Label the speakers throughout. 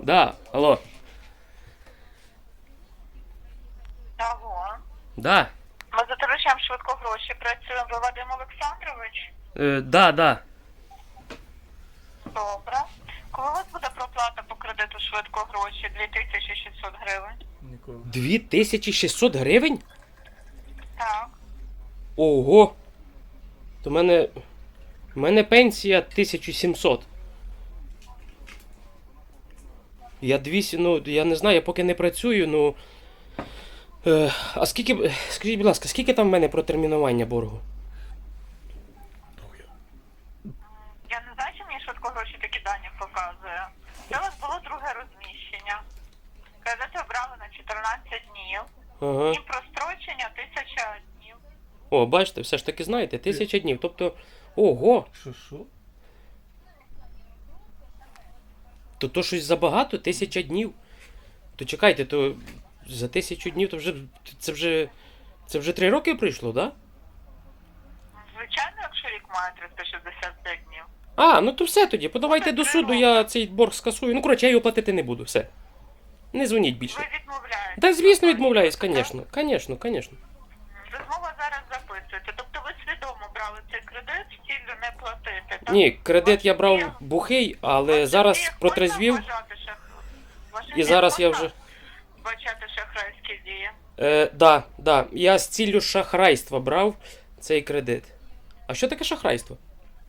Speaker 1: Да, алло.
Speaker 2: Алло.
Speaker 1: Да.
Speaker 2: Ми за товаришем швидко гроші працюємо. Ви Вадим Олександрович?
Speaker 1: Да.
Speaker 2: Добре. Коли у вас буде проплата по кредиту швидко гроші? 2600 гривень.
Speaker 3: Ніколи.
Speaker 1: 2600 гривень?
Speaker 2: Так.
Speaker 1: Ого. То в мене пенсія 1700. Я 200, ну, я не знаю, я поки не працюю, ну... А скільки, скажіть, будь ласка, скільки там в мене протермінування боргу?
Speaker 2: Я не знаю, чи мені швидко гроші такі дані показує. Це у вас було друге розміщення. Кредит ви брали на 14 днів.
Speaker 1: Ага.
Speaker 2: І прострочення 1000 днів.
Speaker 1: О, бачите, все ж таки знаєте, 1000 днів. Тобто, ого,
Speaker 3: Що?
Speaker 1: то щось забагато, 1000 днів. То чекайте, то за 1000 днів то це вже 3 роки пройшло, да?
Speaker 2: Звичайно, якщо рік має 365 днів.
Speaker 1: А, ну то все тоді, подавайте до суду, я цей борг скасую. Ну, коротше, я його платити не буду, все. Не дзвоніть
Speaker 2: Ви
Speaker 1: більше.
Speaker 2: відмовляєте.
Speaker 1: Та, звісно, відмовляюсь, звісно.
Speaker 2: Розмова зараз записується. Тобто ви свідомо брали цей кредит з ціллю не платити, так?
Speaker 1: Ні, кредит я
Speaker 2: Ваша
Speaker 1: брав
Speaker 2: дія-
Speaker 1: бухий, але
Speaker 2: ваша
Speaker 1: зараз
Speaker 2: дія
Speaker 1: протрезвів.
Speaker 2: можна вважати ваша
Speaker 1: І
Speaker 2: дія
Speaker 1: зараз я
Speaker 2: можна
Speaker 1: вже...
Speaker 2: вбачати шахрайські дії.
Speaker 1: Да. Я з ціллю шахрайства брав цей кредит. А що таке шахрайство?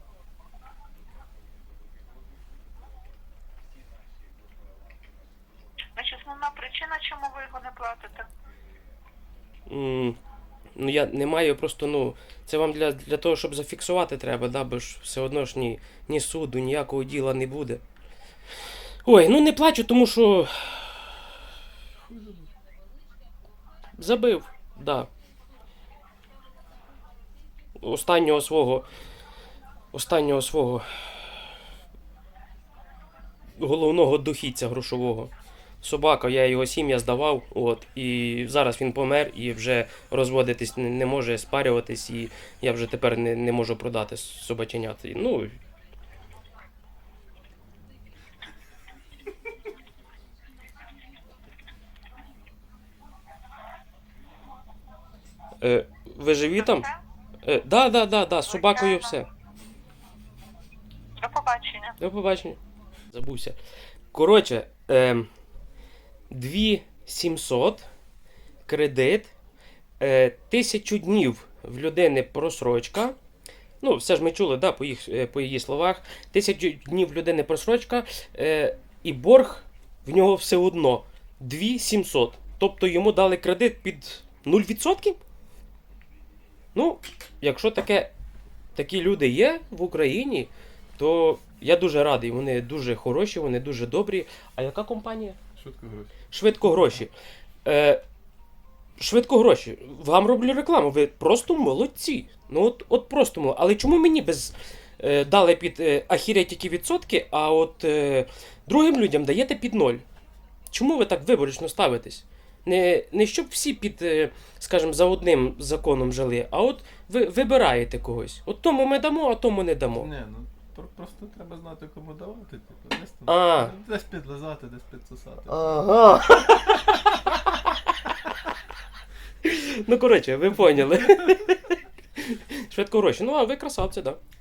Speaker 2: Значить, основна причина, чому ви його не платите?
Speaker 1: Ну, я не маю просто, ну, це вам для того, щоб зафіксувати треба, да, бо ж все одно ж ні суду, ніякого діла не буде. Ой, ну не плачу, тому що... Забив, да. Останнього свого головного дохідця грошового. Собака, я його сім'я здавав, от, і зараз він помер і вже розводитись не може, спарюватись, і я вже тепер не можу продати собаченят. Ну, ви живі там? Да, з собакою все.
Speaker 2: До побачення.
Speaker 1: До побачення. Забувся. Коротше, 2700 кредит, 1000 днів в людини просрочка. Ну, все ж ми чули, да, по її словах. 1000 днів в людини просрочка, і борг в нього все одно 2700. Тобто йому дали кредит під 0%? Ну, якщо такі люди є в Україні, то я дуже радий. Вони дуже хороші, вони дуже добрі. А яка компанія?
Speaker 3: Швидко гроші.
Speaker 1: Швидко гроші. Швидко гроші. Вам роблю рекламу. Ви просто молодці. Ну от просто молодці. Але чому мені дали під ахірять які відсотки, а от другим людям даєте під 0? Чому ви так виборочно ставитесь? Не щоб всі під, скажімо, за одним законом жили, а от ви вибираєте когось. От тому ми дамо, а тому не дамо.
Speaker 3: Не, ну просто треба знати, кому давати. Типу, десь підлизати, десь підсосати.
Speaker 1: Ага. Ну, коротше, ви поняли. Швидко гроші. Ну, а ви красавці, так. Да.